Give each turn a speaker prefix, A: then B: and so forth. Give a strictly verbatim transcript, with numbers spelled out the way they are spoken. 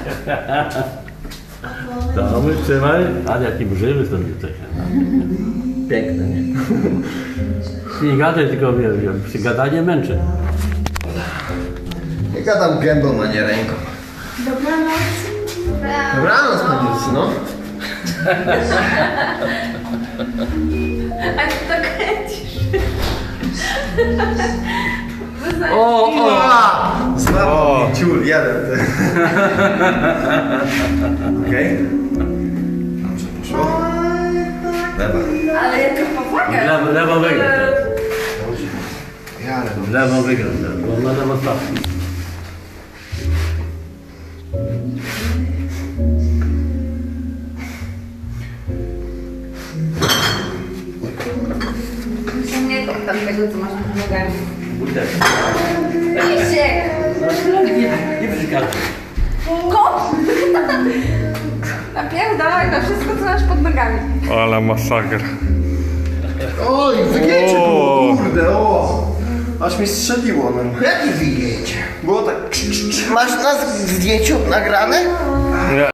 A: To my trzymaj, a jaki brzywy stąd jesteś.
B: Piękne, nie?
A: Nie gadaj, tylko wiem, wiem, przy gadanie męczy.
B: Nie gadam gębą, a nie ręką.
C: Dobranoc.
B: Dobranoc, paniucy, no.
C: A ty to kręcisz.
B: O, o! Złapał mnie ciul, jeden. ty. Okej. Dobrze poszło. Lewa.
C: Ale jaka powaga.
A: Lewo, lewo wygra.
B: Ja lewo.
A: Lewo wygra, bo na lewo stawki.
C: Nie tam tego, co masz pod nogami.
A: Butek.
C: Misiek!
A: Nie przeszkadzaj.
C: Kot! Napierdalaj na wszystko, co masz pod nogami.
D: Ale masakra.
B: Oj, wygięcie
D: O.
B: było, kurde, o! Aż mi strzeliło, no. Jakie wygięcie? Było tak... Masz nas w zdjęciu nagrane?
D: Nie.